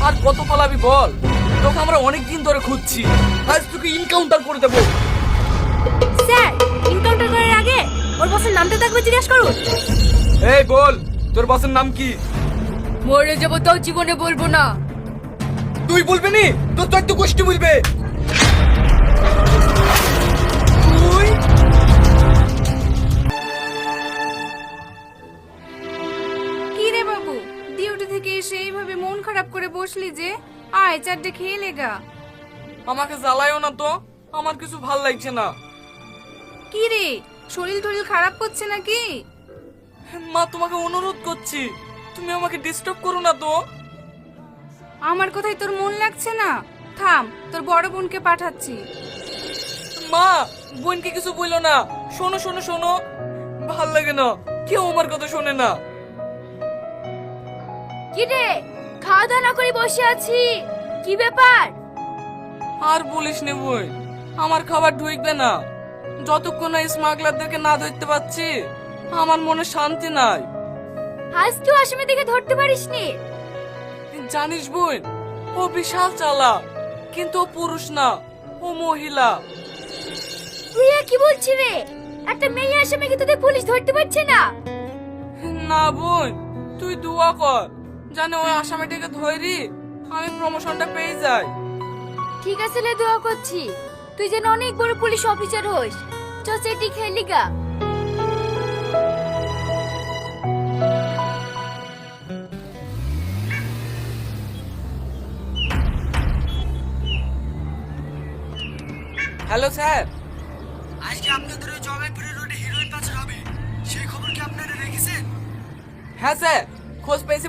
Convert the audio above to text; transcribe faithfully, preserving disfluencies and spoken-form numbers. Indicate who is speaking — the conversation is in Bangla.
Speaker 1: আর কত পালাবি বল? তোকে আমরা অনেক দিন ধরে খুঁজছি। আজ তোকে ইনকাউন্টার করে দেবো।
Speaker 2: স্যার, এনকাউন্টার করার আগে ওর বসের নামটা তো একবার জিজ্ঞেস করুন।
Speaker 1: এই বল, তোর বসের নাম কি?
Speaker 2: মরে যাবো তাও জীবনে বলবো না।
Speaker 1: তুই বলবি নি? তোর তো একটু গোষ্ঠী বলবে। তুই
Speaker 3: কি রে বাবু, ডিউটি থেকে এসে এইভাবে মন খারাপ করে বসলি যে? আয় চারটে খেয়ে লেগা।
Speaker 1: আমাকে জ্বালায়ও না তো, আমার কিছু ভাল লাগছে না।
Speaker 3: কি রে, শরীর টরিল খারাপ করছে নাকি?
Speaker 1: মা, তোমাকে অনুরোধ করছি, তুমি আমাকে ডিস্টার্ব করো না তো।
Speaker 3: আমার কথাই তোর মন লাগছে না? থাম, তোর বড় বোনকে পাঠাচ্ছি।
Speaker 1: মা, বোনকে কিছু বললো না। শোনো শোনো শোনো, ভাল লাগে না, কেউ আমার কথা শোনে না।
Speaker 2: কি রে, খাওয়া দাওয়া না করে বসে আছি, কি ব্যাপার?
Speaker 1: আর বলিস নে বই, আমার খাবার ঢুকবে না যতক্ষণ না স্মাগলারদেরকে না ধরতে পারছি। আমার মনে শান্তি নাই।
Speaker 2: আজ তুই আসামি দেখে ধরতে পারিসনি?
Speaker 1: জানিস বোন, ও বিশাল চালাক, কিন্তু ও পুরুষ না, ও মহিলা।
Speaker 2: তুই আর কি বলছিস রে? একটা মেয়ে আসামিকে তোদের পুলিশ ধরতে পারছে না?
Speaker 1: না বোন, তুই দোয়া কর, জানে ওই আসামিটাকে ধরি আমি প্রমোশনটা পেয়ে যাই।
Speaker 2: ঠিক আছে লে, দোয়া করছি তুই যেন অনেক বড় পুলিশ অফিসার হোস। চ চেটি খেলি গা।
Speaker 1: Hello sir.
Speaker 4: আজকে আপনাদের ওই জয়পুরের রোডে হিরোইন পাচার হবে, সেই খবর কি আপনারা রেখেছেন?
Speaker 1: হ্যাঁ স্যার, খোঁজ পেয়েছি